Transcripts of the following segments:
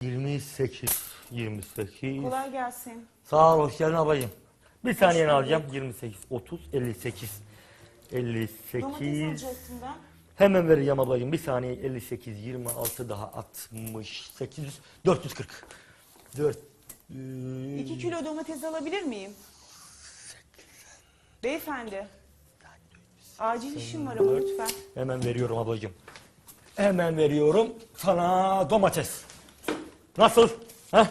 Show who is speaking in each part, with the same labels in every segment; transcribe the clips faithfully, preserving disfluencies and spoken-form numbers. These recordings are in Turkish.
Speaker 1: yirmi sekiz. yirmi sekiz.
Speaker 2: Kolay gelsin.
Speaker 1: Sağ ol, hoş geldin abayım. Bir saniyeni
Speaker 2: bulduk.
Speaker 1: alacağım. yirmi sekiz, otuz, elli sekiz. elli
Speaker 2: Domates
Speaker 1: sekiz.
Speaker 2: alacaktım ben.
Speaker 1: Hemen vereceğim ablacığım. Bir saniye. elli sekiz, yirmi altı daha altmış sekiz, dört yüz kırk. dört.
Speaker 2: İki kilo domates alabilir miyim? Beyefendi. Acil işim var ama lütfen.
Speaker 1: Hemen veriyorum ablacığım. Hemen veriyorum sana domates. Nasıl? Heh?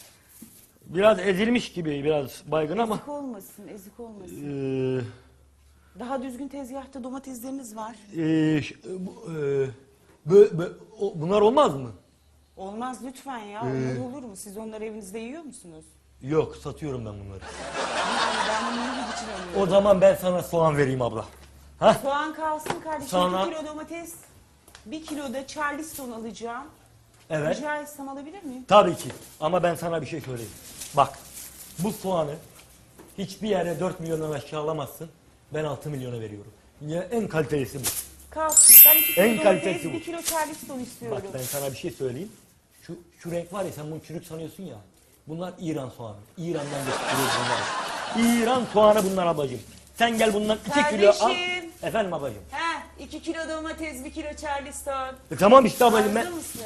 Speaker 1: Biraz ezilmiş gibi, biraz baygın ama.
Speaker 2: Ezik olmasın, ezik olmasın.
Speaker 1: Ee,
Speaker 2: Daha düzgün tezgahta domatesleriniz var.
Speaker 1: e, ş- bu, e, bö- bö- o- bunlar olmaz mı?
Speaker 2: Olmaz lütfen ya.
Speaker 1: Ee.
Speaker 2: Onlar olur mu? Siz onları evinizde yiyor musunuz?
Speaker 1: Yok, satıyorum ben bunları.
Speaker 2: Yani ben bunu yiyip için alıyorum.
Speaker 1: O zaman ben sana soğan vereyim abla. Ha?
Speaker 2: Soğan kalsın kardeşim.
Speaker 1: Sonra-
Speaker 2: iki kilo domates, bir kilo da Charleston alacağım.
Speaker 1: Evet.
Speaker 2: Rica etsem alabilir miyim?
Speaker 1: Tabii ki. Ama ben sana bir şey söyleyeyim. Bak, bu soğanı hiçbir yere dört milyondan aşağı alamazsın. Ben altı milyona veriyorum. Ya en kalitelisi bu.
Speaker 2: Kalsın. Ben iki kilo
Speaker 1: En
Speaker 2: domates,
Speaker 1: kalitesi bu.
Speaker 2: bir kilo Charleston
Speaker 1: Bak
Speaker 2: istiyorum.
Speaker 1: ben sana bir şey söyleyeyim. Şu şu renk var ya, sen bunu çürük sanıyorsun ya. Bunlar İran soğanı. İran'dan getiriyoruz bunları. İran soğanı bunlar ablacığım. Sen gel bundan iki kilo al.
Speaker 2: Kardeşim.
Speaker 1: Efendim ablacığım.
Speaker 2: He, iki kilo domates, bir kilo Charleston.
Speaker 1: E tamam işte ablacığım ben.
Speaker 2: Hazır mısın?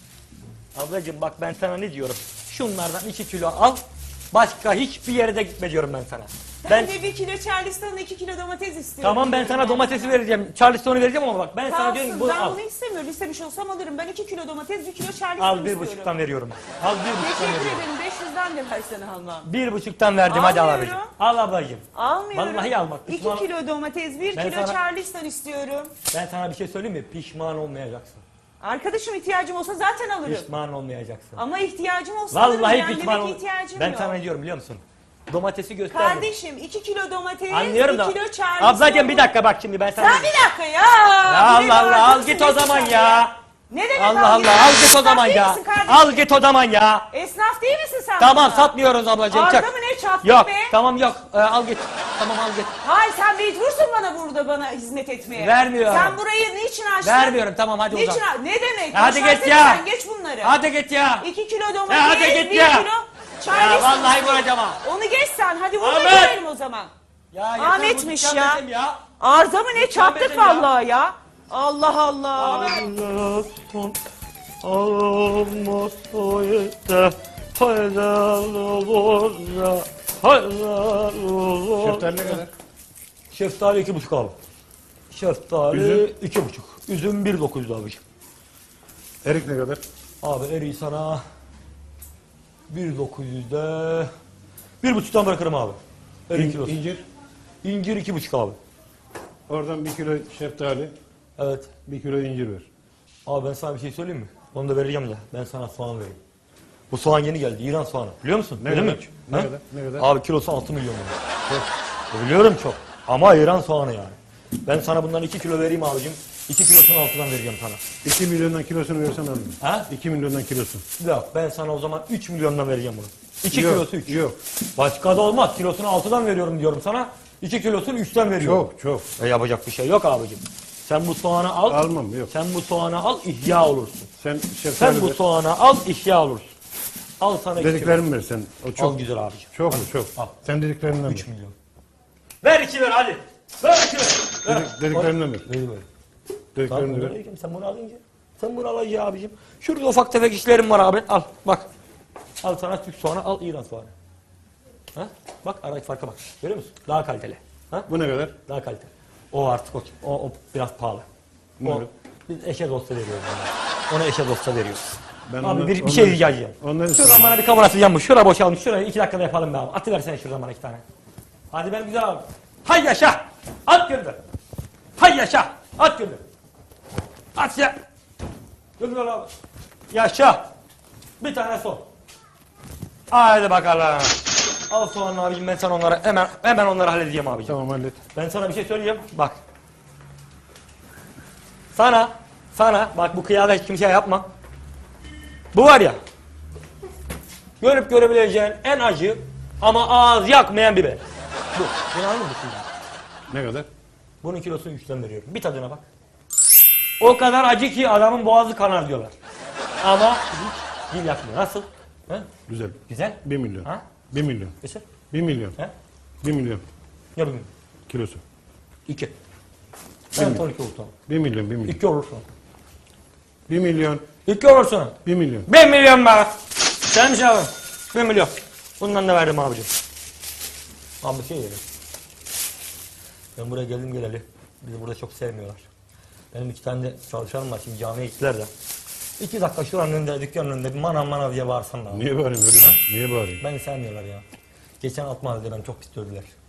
Speaker 1: Ablacığım bak ben sana ne diyorum. Şunlardan iki kilo al. Başka hiçbir yere de gitme diyorum ben sana.
Speaker 2: Ben,
Speaker 1: Ben
Speaker 2: de bir kilo Charleston, iki kilo domates istiyorum.
Speaker 1: tamam ben sana domatesi vereceğim. Charleston'u vereceğim ama bak ben sana diyorum ki
Speaker 2: Kalsın,
Speaker 1: bunu
Speaker 2: ben
Speaker 1: al.
Speaker 2: bunu istemiyorum. İstemiş olsam alırım. Ben iki kilo domates, bir kilo Charleston
Speaker 1: Al bir
Speaker 2: istiyorum.
Speaker 1: buçuktan veriyorum. Al bir buçuktan
Speaker 2: Teşekkür
Speaker 1: veriyorum.
Speaker 2: ederim. beş yüzden de versene almam.
Speaker 1: Bir buçuktan verdim hadi al
Speaker 2: Almıyorum.
Speaker 1: abicim. Al ablacığım.
Speaker 2: Almıyorum.
Speaker 1: Vallahi al bak,
Speaker 2: iki
Speaker 1: pişman-
Speaker 2: kilo domates, bir
Speaker 1: Ben
Speaker 2: kilo
Speaker 1: sana-
Speaker 2: Charleston istiyorum.
Speaker 1: Ben sana bir şey söyleyeyim mi? Pişman olmayacaksın.
Speaker 2: Arkadaşım ihtiyacım olsa zaten alırım.
Speaker 1: Pişman olmayacaksın.
Speaker 2: Ama ihtiyacım olsa alırım.
Speaker 1: Vallahi
Speaker 2: Yani
Speaker 1: pişman
Speaker 2: demek
Speaker 1: ol.
Speaker 2: ki ihtiyacım
Speaker 1: Ben
Speaker 2: yok.
Speaker 1: sana ne diyorum biliyor musun? Domatesi gösterdim.
Speaker 2: Kardeşim iki kilo domates,
Speaker 1: Anlıyorum
Speaker 2: bir
Speaker 1: da.
Speaker 2: kilo Charleston.
Speaker 1: Ablacığım bir dakika bak şimdi ben sana.
Speaker 2: Sen bir dakika ya.
Speaker 1: Ya
Speaker 2: Bir de
Speaker 1: Allah Allah al
Speaker 2: bağırıyorsun,
Speaker 1: git o
Speaker 2: nesin
Speaker 1: zaman
Speaker 2: sen
Speaker 1: ya.
Speaker 2: Ne demek
Speaker 1: Allah
Speaker 2: al
Speaker 1: Allah al git o
Speaker 2: Esnaf
Speaker 1: zaman
Speaker 2: değil
Speaker 1: ya.
Speaker 2: misin kardeşim?
Speaker 1: Al git o zaman ya.
Speaker 2: Esnaf değil misin sen?
Speaker 1: Tamam
Speaker 2: burada?
Speaker 1: satmıyoruz ablacığım.
Speaker 2: Arda
Speaker 1: çak.
Speaker 2: mı ne çattık
Speaker 1: Yok
Speaker 2: be?
Speaker 1: tamam yok Ee, al git. Tamam al git.
Speaker 2: Hayır sen mecbursun bana burada bana hizmet etmeye.
Speaker 1: Vermiyorum.
Speaker 2: Sen burayı niçin açtın?
Speaker 1: Vermiyorum tamam hadi o
Speaker 2: Niçin
Speaker 1: zaman.
Speaker 2: aç- Ne demek?
Speaker 1: Hadi
Speaker 2: Boşversene
Speaker 1: git ya.
Speaker 2: Sen geç bunları.
Speaker 1: Hadi git ya.
Speaker 2: İki kilo
Speaker 1: Ya
Speaker 2: domates,
Speaker 1: hadi git
Speaker 2: bir
Speaker 1: ya.
Speaker 2: kilo
Speaker 1: Ya
Speaker 2: Charleston.
Speaker 1: vallahi vuracağım ha.
Speaker 2: Onu geç sen. Hadi burada
Speaker 1: Ahmet.
Speaker 2: görelim o zaman.
Speaker 1: Ya yeter,
Speaker 2: Ahmet'miş
Speaker 1: bu dükkan
Speaker 2: ya.
Speaker 1: benim ya.
Speaker 2: Arıza mı ne
Speaker 1: Lütfen
Speaker 2: çattık
Speaker 1: benim ya.
Speaker 2: vallahi ya. Allah Allah.
Speaker 1: Allah'ın almasaydı helal olur ya, helal olur.
Speaker 3: Şeftali ne kadar?
Speaker 1: Şeftali iki buçuk abi. Şeftali
Speaker 3: Üzüm?
Speaker 1: iki buçuk. Üzüm bir dokuz abiciğim.
Speaker 3: Erik ne kadar?
Speaker 1: Abi eriği sana bir dokuz yüzde bir buçuktan bırakırım abi. Erik
Speaker 3: İn-
Speaker 1: kilosu.
Speaker 3: İncir.
Speaker 1: İncir iki buçuk abi.
Speaker 3: Oradan bir kilo şeftali,
Speaker 1: Evet.
Speaker 3: bir kilo incir ver.
Speaker 1: Abi ben sana bir şey söyleyeyim mi? Onu da vereceğim ya. Ben sana soğan vereyim. Bu soğan yeni geldi. İran soğanı. Biliyor musun?
Speaker 3: Ne
Speaker 1: Bildin
Speaker 3: kadar?
Speaker 1: mi?
Speaker 3: Ne
Speaker 1: Ha?
Speaker 3: kadar? Ne kadar?
Speaker 1: Abi kilosu altı milyon lira. Çok. Biliyorum çok. Ama İran soğanı yani. Ben sana bundan iki kilo vereyim abicim. iki kilosunu altıdan vereceğim sana.
Speaker 3: iki milyondan kilosunu versen alırım.
Speaker 1: Ha?
Speaker 3: iki milyondan kilosu.
Speaker 1: Yok ben sana o zaman üç milyondan vereceğim bunu. iki
Speaker 3: Yok,
Speaker 1: kilosu üç.
Speaker 3: yok.
Speaker 1: Başka da olmaz. Kilosunu altıdan veriyorum diyorum sana. iki kilosunu üçten veriyorum.
Speaker 3: Çok çok.
Speaker 1: E yapacak bir şey yok abicim. Sen bu soğanı al.
Speaker 3: Almam, yok.
Speaker 1: Sen bu soğanı al ihya olursun.
Speaker 3: Sen şeftali
Speaker 1: Sen bu
Speaker 3: ver.
Speaker 1: soğanı al ihya olursun. Al sana iki kilo.
Speaker 3: Dediklerimi ver sen. O
Speaker 1: Çok
Speaker 3: çok.
Speaker 1: güzel abicim.
Speaker 3: Çok mu? Çok.
Speaker 1: Al.
Speaker 3: Sen dediklerinden
Speaker 1: üç
Speaker 3: ver.
Speaker 1: milyon. Ver iki ver hadi. Ver iki ver. ver.
Speaker 3: Dedik- dediklerinden ver.
Speaker 1: Neyi ver?
Speaker 3: Dediklerinden
Speaker 1: Tamam,
Speaker 3: ver.
Speaker 1: vereyim. Sen bunu alınca. Sen bunu alacaksın abicim. Şurada ufak tefek işlerim var abi. Al bak. Al sana Türk soğanı, al İran soğanı. Ha? Bak aradaki farka bak. Görüyor musun? Daha kaliteli. Ha?
Speaker 3: Bu ne kadar?
Speaker 1: Daha kaliteli. O artık o, o, o biraz pahalı.
Speaker 3: Ne
Speaker 1: O,
Speaker 3: öyle?
Speaker 1: biz eşe dosta veriyoruz. Ona, ona eşe dosta veriyoruz.
Speaker 3: Ben
Speaker 1: Abi
Speaker 3: ondan-
Speaker 1: bir, bir
Speaker 3: ondan-
Speaker 1: şey rica edeceğim.
Speaker 3: ondan
Speaker 1: Şuradan
Speaker 3: istiyorum.
Speaker 1: bana bir kamera atacağım mı? Şura boşalmış. Şurayı iki dakikada yapalım be abi. Atıversene şuradan bana iki tane. Hadi ben güzel abi. Hay yaşa. At gönder. Hay yaşa. At gönder. At ya. Gönder abi. Yaşa. Bir tane son. Haydi bakalım. Al soğanını abicim, ben sana onları hemen hemen onları halledeceğim abicim.
Speaker 3: Tamam hallet.
Speaker 1: Ben sana bir şey söyleyeyim. Bak. Sana, sana bak bu kıyada hiç kimseye yapma. Bu var ya. Görüp görebileceğin en acı ama ağız yakmayan biber. Bu. Bunu anladın mı şimdi?
Speaker 3: Ne kadar?
Speaker 1: Bunun kilosunu üçten veriyorum. Bir tadına bak. O kadar acı ki adamın boğazı kanar diyorlar. Ama hiç Dil yakmıyor. Nasıl? He?
Speaker 3: Güzel.
Speaker 1: Güzel.
Speaker 3: Bir milyon.
Speaker 1: Ha?
Speaker 3: Bir milyon.
Speaker 1: Geçer.
Speaker 3: Bir milyon.
Speaker 1: He?
Speaker 3: Bir milyon.
Speaker 1: Ya bilmiyorum.
Speaker 3: Kilosu.
Speaker 1: İki.
Speaker 3: Bir
Speaker 1: Ben
Speaker 3: mi?
Speaker 1: ton iki olursun.
Speaker 3: Bir milyon. Bir milyon.
Speaker 1: İki olursun.
Speaker 3: Bir milyon.
Speaker 1: İki olursun.
Speaker 3: Bir milyon.
Speaker 1: Bir milyon be. Sen mi abi? Bir milyon. Bundan da verdim abicim. Abi bir şey yedim. Ben buraya geldim geleli. Bizi burada çok sevmiyorlar. Benim iki tane de çalışanım var. Şimdi camiye gittiler de. İki dakika şuranın önünde, dükkanın önünde bir manav manav diye bağırsam da.
Speaker 3: Niye bağırayım öyle? Niye bağırayım?
Speaker 1: Beni sevmiyorlar ya. Geçen Altınoluk'ta beni çok pis dövdüler.